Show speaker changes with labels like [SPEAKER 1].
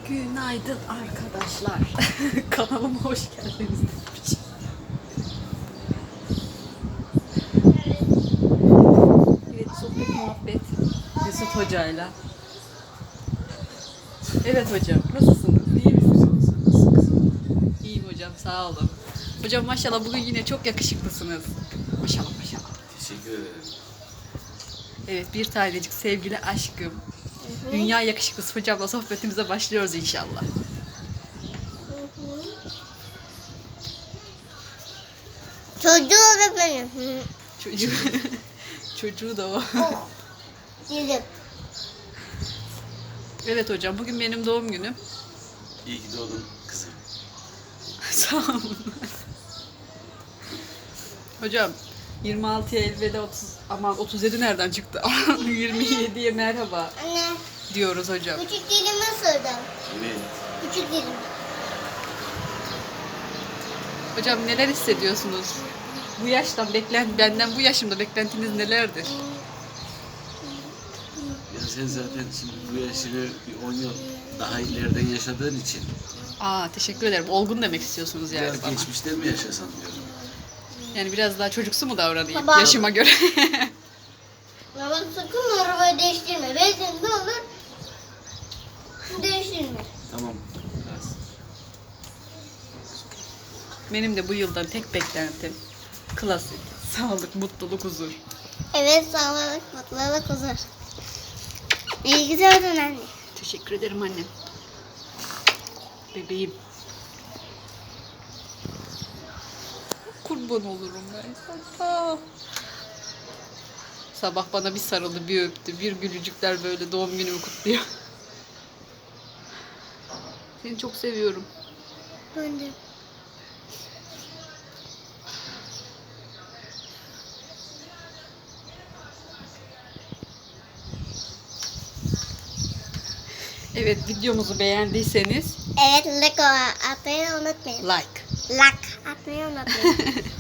[SPEAKER 1] Günaydın arkadaşlar. Kanalıma hoş geldiniz. Evet, sohbet muhabbet Mesut Hoca'yla. Evet hocam, nasılsınız? İyi misiniz? İyiyim hocam, sağ olun. Hocam maşallah bugün yine çok yakışıklısınız. Maşallah maşallah.
[SPEAKER 2] Teşekkür ederim.
[SPEAKER 1] Evet, bir tanecik sevgili aşkım. Dünya yakışıklısı hocamla sohbetimize başlıyoruz inşallah.
[SPEAKER 3] Çocuğu da benim.
[SPEAKER 1] Çocuğu, çocuğu da o.
[SPEAKER 3] Oh. Yedim.
[SPEAKER 1] Evet hocam, bugün benim doğum günüm.
[SPEAKER 2] İyi ki doğdun kızım.
[SPEAKER 1] Sağ olun. Hocam 26'ya elveda 37 nereden çıktı? 27'ye merhaba
[SPEAKER 3] Anne,
[SPEAKER 1] diyoruz hocam.
[SPEAKER 3] küçük dilimi ısırdım.
[SPEAKER 2] Evet.
[SPEAKER 3] Küçük dilim.
[SPEAKER 1] Hocam neler hissediyorsunuz? Bu yaştan benden bu yaşımda beklentiniz nelerdir?
[SPEAKER 2] Ya sen zaten şimdi bu yaşını bir 10 yıl daha ileriden yaşadığın için
[SPEAKER 1] Teşekkür ederim. Olgun demek istiyorsunuz yani
[SPEAKER 2] biraz
[SPEAKER 1] bana.
[SPEAKER 2] geçmişten mi yaşasan diyorum.
[SPEAKER 1] Yani biraz daha çocuksu mu davranayım
[SPEAKER 3] Baba.
[SPEAKER 1] yaşıma göre?
[SPEAKER 3] Baba sakın arabayı değiştirme. Benzin ne olur? Değiştirme.
[SPEAKER 2] Tamam. Biraz.
[SPEAKER 1] Benim de bu yıldan tek beklentim klasik, sağlık, mutluluk, huzur.
[SPEAKER 3] Evet, sağlık, mutluluk, huzur. İyi ki doğdun anne.
[SPEAKER 1] Teşekkür ederim annem. Bebeğim. Kurban olurum ben. Sabah bana bir sarıldı, bir öptü, bir gülücükler böyle doğum günümü kutluyor. Seni çok seviyorum.
[SPEAKER 3] Ben de.
[SPEAKER 1] Evet, videomuzu beğendiyseniz
[SPEAKER 3] Evet, like atmayı unutmayın.
[SPEAKER 1] like.
[SPEAKER 3] Like atmayı unutmayın.